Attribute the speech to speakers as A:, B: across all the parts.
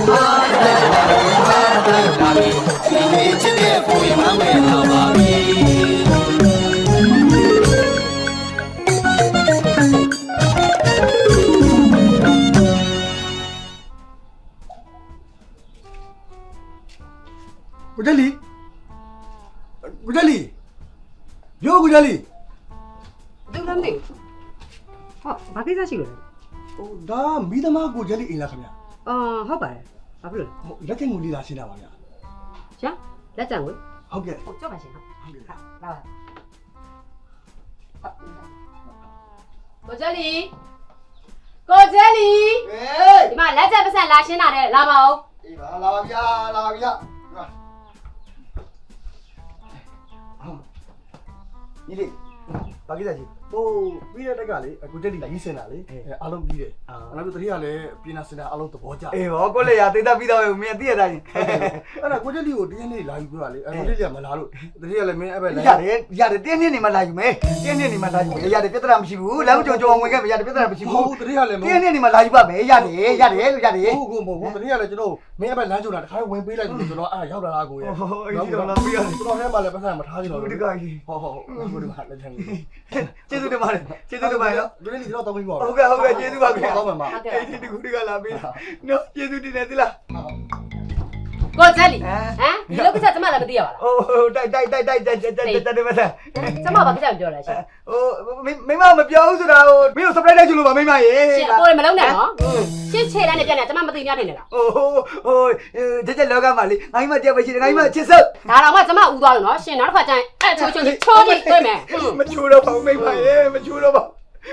A: 古这里，古这里，有古这里。
B: 对了没？好，把给啥去了？
A: 哦，那没得嘛古这里赢了，看没？
B: 好吧，好不了。
A: 那天我离他现在玩呀。
B: 行，来站位。
A: 好嘅。
B: 哦，叫吧先哈。好，来吧。过这里，过这里。
A: 哎。
B: 你妈来这不是拉先拿的，拉吧哦。
A: 拉吧呀，拉吧呀，是吧？你嘞，把给啥去？哦，ပြီးတဲ့တက်ကလေအခုတက်လီကြီးစင်တာလေအားလုံးပြီးတယ်နောက်ပြီးတတိယလည်းပြင်နာစင်တာအားလုံးသဘောကျအေးဗောကိုလေရတိတ်ပြီးတော့မင်းသိရတာကြီးအဲ့ဒါကိုတက်လီကိုတင်းနေလာယူပြောတာလေကိုတက်လီကမလာလို့တတိယလည်းမင်းအဲ့ဘက်လာရတယ်တင်းနေနေမှလာယူမယ်တင်းနေနေမှလာယူမယ်ရတယ်ပြဿနာမရှိဘူးလမ်းကြုံကြုံဝင်ခဲ့မယ်ရတယ်ပြဿနာမရှိဘူးဟုတ်တတိယလည်းတင်းနေနေမှလာယူပါမယ်ရတယ်လို့ရတယ်ဟုတ်ကိုမဟုတ်ဘူးတတိယလည်းကျွန်တော်မင်းအဲ့ဘက်လမ်းကြုံတာတခါဝင်ပေးလိုက်လို့ကျွန်တော်အဲ့ရောက်လာတာကိုရဲ့ဟုတ်အဲ့ဒီတော့လာပြီးရတယ်ကျွန်တော်ထဲမှာလည်းပတ်စံမထားချင်တော့ဘူးဒီကကြီးဟုတ်ဒီမှာလက်ချင်ကျေးဇူးတင်ပါတယ်ကျေးဇူးတင်ပါတယ်နော်ဒီနေ့ကျွန်တော်တောင်းပြီးပါဟုတ်ကဲ့ကျေးဇူးပါခင်ဗျာတောင်းပါမှာအဲ့ဒီတကူတကလာပေးနော်ကျေးဇူးတင်တယ်သလား
B: 过这里，你那个车怎么来不对吧？
A: 哦，带对不对？
B: 怎么把这样掉了？
A: 哦，没嘛，没标是啦，没有 supply 带去了吧，没嘛耶。
B: 是，过来没弄呢哦。先切来那边呢，怎么没对面的了？
A: 这聊干嘛哩？俺们这不是，俺们接受。
B: 那了我怎么误导了呢？先拿块钱，抽抽你对没？
A: 没抽了吧，没嘛耶，没抽了吧。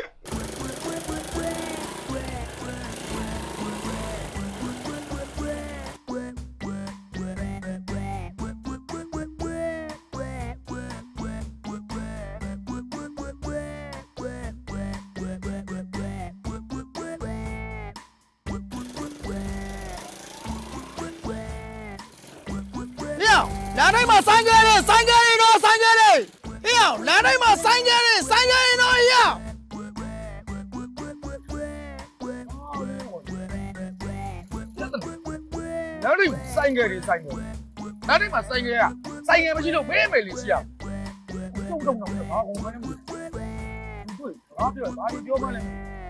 C: 来来嘛，三个人喏，三个人，哎呀，来来嘛，三个人喏，哎呀。来来三个人，来来嘛，三个呀，三个不是都美美的吃啊？动的，啊，我们不对，啊，对，哪里标嘛嘞？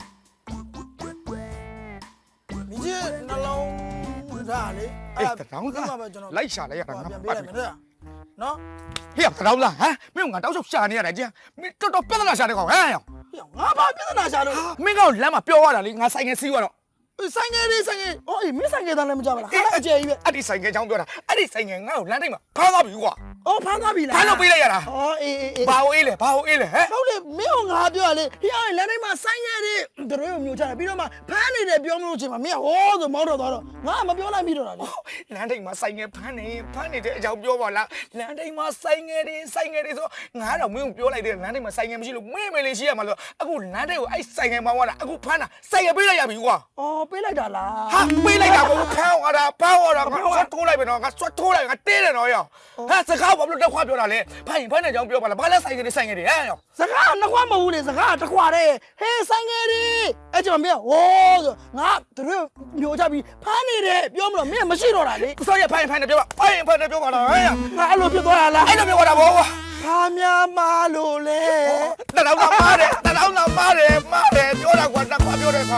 C: 你这那老。啥嘞？哎，当然，来下来呀，那别来喏，嘿，当然哈，没有俺到时候下你来讲，没这都别在那下的搞哎呀，我怕别在那下的，没搞来嘛，标完了，你俺三个死完了。三个，哦，没三个，咱来没找吧？还接一遍，你三个讲标了，你三个俺来的嘛，攀到比我，哦，攀到比了，攀到比了呀啦，哦，把我嘞，好嘞，没有俺标嘞，呀，来的嘛，三个的，都有没有讲，比如嘛，攀你的标没有去嘛，没有，我都毛着到了，俺没标来比着了，来的嘛，三个攀你的就标完了，来的嘛，三个的说，俺都没有标来的，来的嘛，三个不是没联系嘛了，啊，我来的我哎三个嘛完了，啊，我攀了，三个比了也比我，哦。ပေးလိုက်တာလားဟာပေးလိုက်တာကိုဖမ်းသွားတာငါဆွတ်ထိုးလိုက်ပြီနော်ငါဆွတ်ထိုးလိုက်ငါတင်းတယ်နော်ရောဟာစကားဘာလို့တက်ခွာပြောတာလဲဖမ်းတဲ့ကြောင်ပြောပါလားဘာလဲဆိုင်ကလေးဟဲ့ရောစကားနှစ်ခွာမဟုတ်လေစကားတစ်ခွာတဲ့ဟေးဆိုင်ကလေးအဲ့ကျွန်တော်မင်းဟိုးဆိုငါတို့မျိုးချပြီးဖမ်းနေတယ်ပြောမလို့မင်းမရှိတော့တာလေစောရဖမ်းတယ်ပြောပါဖမ်းတယ်ပြောပါလားဟဲ့ငါအဲ့လိုဖြစ်သွားတာလားအဲ့လိုပြောတာဘောဖာများမာလို့လေတတောင်းတော့မားတယ်ပြောတာကွာနှစ်ခွာပြောတယ်ခါ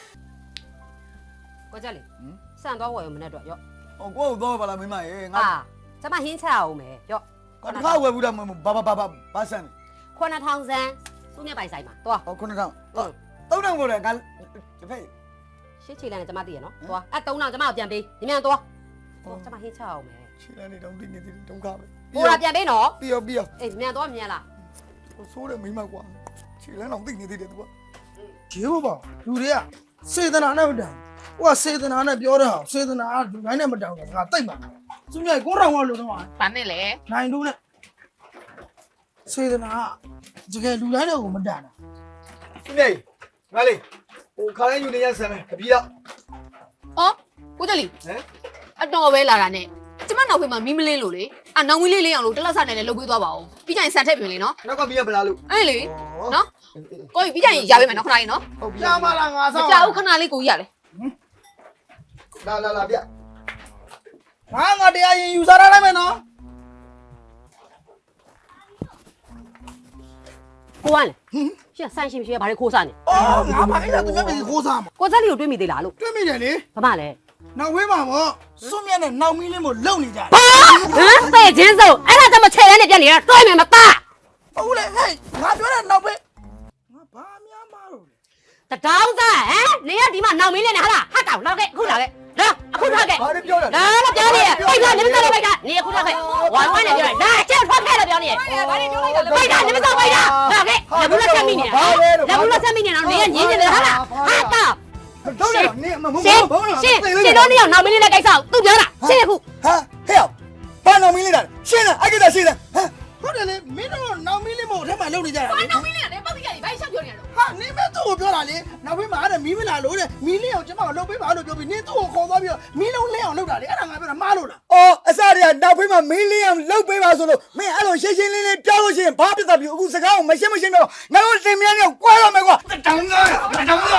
B: 过这里，3多我有没得着哟？
C: 哦，我有多把它没买耶。
B: 啊，怎么很巧没？哟，
C: 我看我不得八三。
B: 看那唐山，中间白晒嘛，多。
C: 哦，看那汤，都能过来，俺这配。
B: 先起来怎么点喏？多啊，都能怎么变杯？你们多？哦，怎么很巧没？
C: 起来你都顶你都搞。
B: 我那变杯喏？
C: 必要。
B: 哎，你们多面啦？
C: 我说的没买过，起来能顶你多。就吧，有的，谁在哪不的？我谁在哪标的好，谁在哪就哪不着的，啊对嘛？中间过上我路的嘛，
B: 反正嘞，
C: 哪路呢？谁在哪？这个路来的我们站的。兄弟，哪里？我看见有那件事没？可别了。
D: 哦，我这里。啊，当我为哪呢？怎么老会嘛？明明来路嘞？啊，那我来样路，这老三奶奶路会多包，比较三太平嘞喏。
C: 那个别不拉路。
D: 哎嘞，喏，我比较也没喏，看哪里喏？
C: 加嘛啦，
D: 加我看哪里过呀嘞？
A: လာဗျ
C: ငါတရားရင်ယူစားရလိုက်မယ်နော်
B: ကိုကလေရှင်ဆန်ရှင်ရှင်ဘာတွေခိုးစားနေ
C: အော်ငါမအဲ့ဒါသူများပဲခိုးစားမှာ
B: ကိုစက်လေးကိုတွေးမိသေးလားလို့
C: တွေ့မိတယ်လေ
B: ဘာမှလဲ
C: နောက်ဝေးမှာပေါ့စွန့်မြတ်နဲ့နောက်မီးလေးမို့လုံနေကြတယ်
B: ဟမ်တဲ့ချင်းစုံအဲ့ဒါတမချဲတဲ့နဲ့ပြန်နေတာတွဲမယ်မသား
C: ဟုတ်လေဟဲ့ငါပြောတဲ့နောက်ပဲငါဘာများမလို့လဲ
B: တတောင်းသားဟမ်နေရဒီမှာနောက်မင်းလေးနဲ့ဟာလားဟာတောင်လောက်ခဲ့အခုလာခဲ့လာအခုလာခဲ့
A: ဘာတွေပြောတာ
B: လာလာပြောနေပိတ်ကနေမစားလိုက်ကနေအခုလာခဲ့ဝိုင်းဝိုင်းနဲ့ပြောလာကျက်ထွက်ခဲ့လို့ပြောနေဘာတွေပြောလိုက်တာလဲပိတ်ကနေမစားပိတ်တာလာခဲ့လက်ဘူးလက်ဆက်မိနေတာလက်ဘူးလက်ဆက်မိနေတာနေရညင်းနေတယ်ဟာလားဟာတောင်
A: တော့တယ်နင်မမ
B: ရှင်ရှင်တို့နေအောင်နောက်မင်းလေးနဲ့ကိစ္စသူပြောတာရှင်းအခု
C: ဟာဟဲ့ဘာနောက်မီးလေးတာရှင်းလားအဲ့ဒါရှင်းလားဟမ်ဟုတ်တယ်လေမင်းတို့နောက်မီးလေးမို့အထက်မှာလုံနေကြတာလေ
D: နောက်မင်းလေးကလည်းပောက်ပြီးကြတယ်ဘာရှောက်ပြောနေရတော့
C: ဟာနင်းမဲသူ့ကိုပြောတာလေနောက်ဘေးမှာအဲ့ဒါမီးမလာလို့တဲ့မီးလေးအောင်ကျမကိုလုပ်ပေးပါလို့ပြောပြီးနင်းသူ့ကိုခေါ်သွားပြီးတော့မီးလုံးလင်းအောင်လုပ်တာလေအဲ့ဒါငါပြောတာမားလို့လားအော်အစတည်းကနောက်ဘေးမှာမီးလင်းအောင်လုပ်ပေးပါဆိုလို့မင်းအဲ့လိုရှင်းရှင်းလင်းလင်းပြောလို့ရှိရင်ဘာဖြစ်တာပြီအခုစကားကိုမရှင်းပြောငါတို့တင်မြန်းနေကွာတော့မယ်ကွာတောင်းသား